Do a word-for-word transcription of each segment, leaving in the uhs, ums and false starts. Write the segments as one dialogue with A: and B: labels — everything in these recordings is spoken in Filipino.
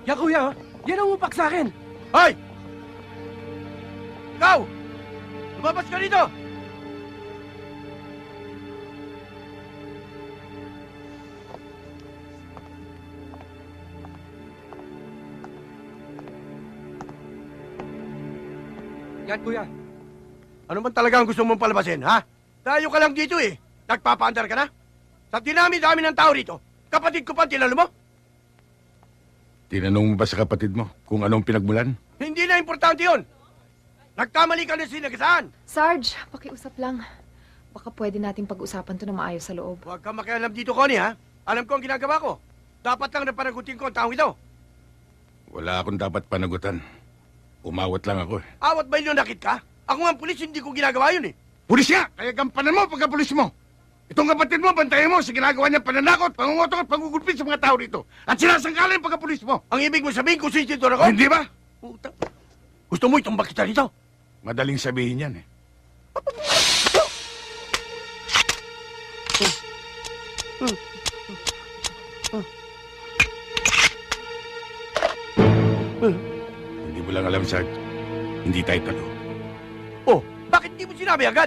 A: Yan, kuya, oh. Yan ang upak sa akin.
B: Hoy! Ikaw! Lumabas ka dito!
A: Yan, kuya.
B: Ano man talaga ang gusto mong palabasin, ha? Tayo ka lang dito eh. Nagpapaandar ka na? Sa dinami-dami ng tao rito, kapatid ko pa ang tinalo mo?
C: Tinanong mo ba sa kapatid mo kung anong pinagmulan?
B: Hindi na importante yun. Nagkamali ka na sinagasaan.
D: Sarge, pakiusap lang. Baka pwede nating pag-usapan to na maayos sa loob.
B: Huwag kang makialam dito, Connie, ha? Alam ko ang ginagawa ko. Dapat lang na panagutin ko ang taong ito.
C: Wala akong dapat panagutan. Umawat lang ako eh.
B: Awat ba yun nakit ka? Ako nga ang pulis, hindi ko ginagawa yun eh.
C: Pulis nga! Kaya gampanan mo pagka-pulis mo! Itong kapatid mo, bantayan mo sa ginagawa niya pananakot, pangungotok at pangugulpit sa mga tao rito. At sinasangkalan yung pagka-pulis mo!
B: Ang ibig mo sabihin kung sinisitor ako?
C: Hindi ba?
B: Puta. Gusto mo itumbak kita dito?
C: Madaling sabihin yan eh. Hindi mo lang alam, Sarge. Hindi tayo talo.
B: Oh, bakit di mo sinabi agad?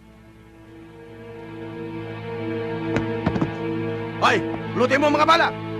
B: Hoy, lutin mo ang mga bala!